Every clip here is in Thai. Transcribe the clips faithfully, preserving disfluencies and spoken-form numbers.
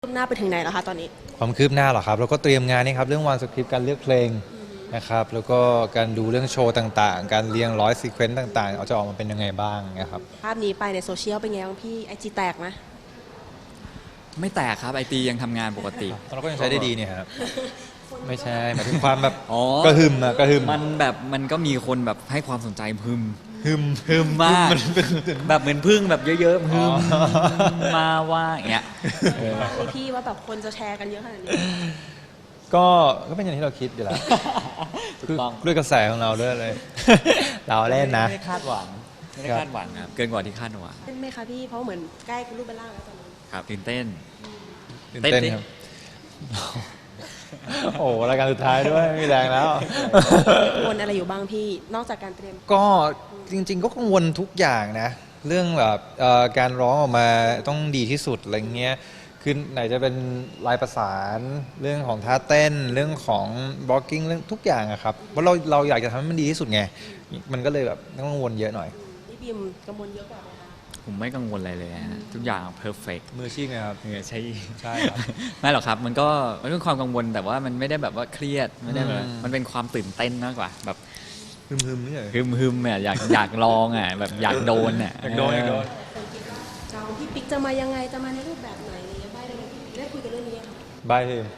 คืบหน้าไปถึงไหนแล้วคะตอนนี้ความคืบหน้าเหรอครับเราก็เตรียมงานนี่ครับเรื่องวางสคริปต์การเลือกเพลงนะครับแล้วก็การดูเรื่องโชว์ต่างๆการเรียงร้อยซีเควนต์ต่างๆเอาจะออกมาเป็นยังไงบ้างนะครับภาพนี้ไปในโซเชียลเป็นไงบ้างพี่ไอจีแตกไหมไม่แตกครับไอตียังทำงานปกติเราก็ยังใช้ได้ดีเนี่ยครับไม่ใช่หมายถึงความแบบอ๋อก็หึมอะก็หึมมันแบบมันก็มีคนแบบให้ความสนใจพึมหึมพึมมากแบบเหมือนพึ่งแบบเยอะๆพึมมาว่าอย่างเงี้ยพี่ว่าแบบคนจะแชร์กันเยอะขนาดนี้ก็ก็เป็นอย่างที่เราคิดอยู่แล้วคือด้วยกระแสของเราด้วยเลยเราเล่นนะไม่ได้คาดหวังไม่ได้คาดหวังครับเกินกว่าที่คาดหวังเป็นไหมคะพี่เพราะเหมือนใกล้รูปเป็นร่างแล้วตอนนี้ครับตื่นเต้นตื่นเต้นครับโอ้รายการสุดท้ายด้วยมีแรงแล้วกังวลอะไรอยู่บ้างพี่นอกจากการเตรียมก็จริงๆก็กังวลทุกอย่างนะเรื่องแบบการร้องออกมาต้องดีที่สุดอะไรเงี้ยคือไหนจะเป็นลายประสานเรื่องของท่าเต้นเรื่องของบล็อกกิ้งเรื่องทุกอย่างอะครับเพราะเราเราอยากจะทำให้มันดีที่สุดไงมันก็เลยแบบต้องกังวลเยอะหน่อยพี่บิมกังวลเยอะกว่าไหมคะผมไม่กังวลอะไรเลยฮะทุกอย่างเพอร์เฟกต์มือชีพนะครับมือใช่ใช่ครับไม่หรอกครับมันก็มันเป็นความกังวลแต่ว่ามันไม่ได้แบบว่าเครียดไม่ได้แบบมันเป็นความตื่นเต้นมากกว่าแบบฮึมฮึมนี่เลยฮึมฮึมเนี่ยอยากอยากลองอ่ะแบบอยากโดนอ่ะอยากโดนอยากโดนจองพี่ปิ๊กจะมายังไงจะมาในรูปแบบไหนอะไรบ้างได้ไหมพี่ได้คุยกันเรื่องนี้ค่ะบายทีม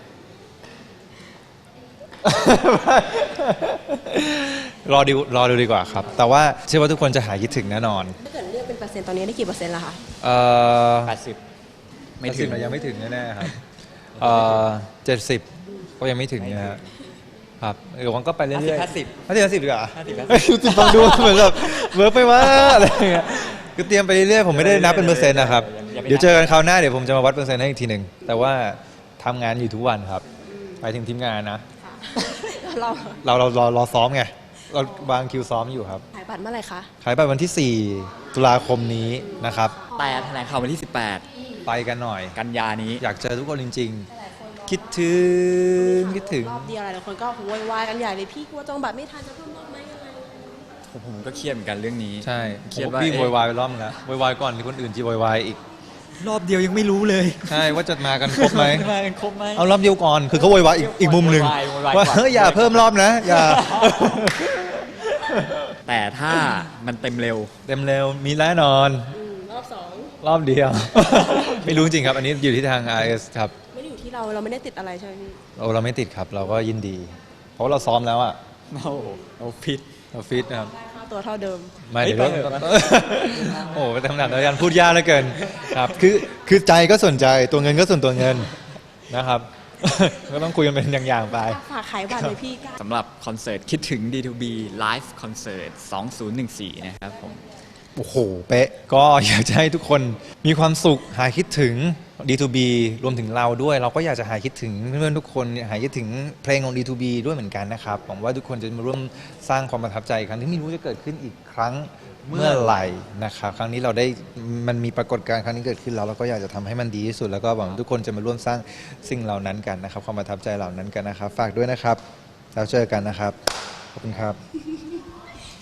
รอดูรอดูดีกว่าครับแต่ว่าเชื่อว่าทุกคนจะหายคิดถึงแน่นอนถ้าเกิดเลือกเป็นเปอร์เซ็นต์ตอนนี้ได้กี่เปอร์เซ็นต์ละคะเอ่อแปดสิบไม่ถึงยังไม่ถึงแน่ๆครับเอ่อเจ็ดสิบก็ยังไม่ถึงนะครับครับเดี๋ยวมันก็ไปเรื่อยๆห้าสิบห้าสิบห้าสิบดีกว่าห้าสิบห้าสิบฟังดูเหมือนแบบเวิร์กไปว่าอะไรเงี้ยคือเตรียมไปเรื่อยๆผมไม่ได้นับเป็นเปอร์เซ็นต์นะครับเดี๋ยวเจอกันคราวหน้าเดี๋ยวผมจะมาวัดเปอร์เซ็นต์ให้อีกทีหนึ่งแต่ว่าทำงานอยู่ทุกวันครับไปถึงทีมงานนะเราเราเรารอรอซ้อมไงเราวางคิวซ้อมอยู่ครับขายบัตรเมื่อไหร่คะขายบัตรวันที่สี่ตุลาคมนี้นะครับแต่แถลงข่าววันที่สิบแปดไปกันหน่อยกันยานี้อยากเจอทุกคนจริงๆคิดถึงคิดถึงรอบเดียวหลายคนก็โวยวายกันใหญ่เลยพี่กลัวจองบัตรไม่ทันจะเพิ่มรอบไหมยังไงผมก็เครียดเหมือนกันเรื่องนี้ใช่เครียดว่าพี่โวยวายไปรอบนึงแล้วโวยวายก่อนที่คนอื่นจะโวยวายอีกรอบเดียวยังไม่รู้เลยใช่ว่าจะมากันครบไหมมากันครบไหมเอารอบเดียวก่อนคือเขาโวยวายอีกอีกมุมหนึ่งว่าเฮ้ยอย่าเพิ่มรอบนะอย่าแต่ถ้ามันเต็มเร็วเต็มเร็วมีแน่นอนรอบสองรอบเดียวไม่รู้จริงครับอันนี้อยู่ที่ทาง อาร์ เอส ครับไม่ได้อยู่ที่เราเราไม่ได้ติดอะไรใช่ไหมพี่เราเราไม่ติดครับเราก็ยินดีเพราะเราซ้อมแล้วอ่ะเราเราฟิตเราฟิตนะครับค่าตัวเท่าเดิมไม่เดี๋ยวโอ้ไปทำหนักแล้วกันพูดยากเหลือเกินครับคือคือใจก็สนใจตัวเงินก็ส่วนตัวเงินนะครับก็ต้องคุยกันเป็นอย่างๆไปฝากขายบัตรเลยพี่สำหรับคอนเสิร์ตคิดถึง ดี ทู บี Live Concert สองพันสิบสี่นะครับผมโอ้โหเป๊ะก็อยากจะให้ทุกคนมีความสุขหายคิดถึง ดี ทู บี รวมถึงเราด้วยเราก็อยากจะหายคิดถึงเพื่อนๆทุกคนหายคิดถึงเพลงของ ดี ทู บี ด้วยเหมือนกันนะครับหวังว่าทุกคนจะมาร่วมสร้างความประทับใจครั้งที่ไม่รู้จะเกิดขึ้นอีกครั้งเมื่อไหร่นะครับครั้งนี้เราได้มันมีปรากฏการณ์ครั้งนี้เกิดขึ้นแล้วเราก็อยากจะทำให้มันดีที่สุดแล้วก็หวังทุกคนจะมาร่วมสร้างสิ่งเหล่านั้นกันนะครับความประทับใจเหล่านั้นกันนะครับฝากด้วยนะครับแล้วเจอกันนะครับขอบคุณครับ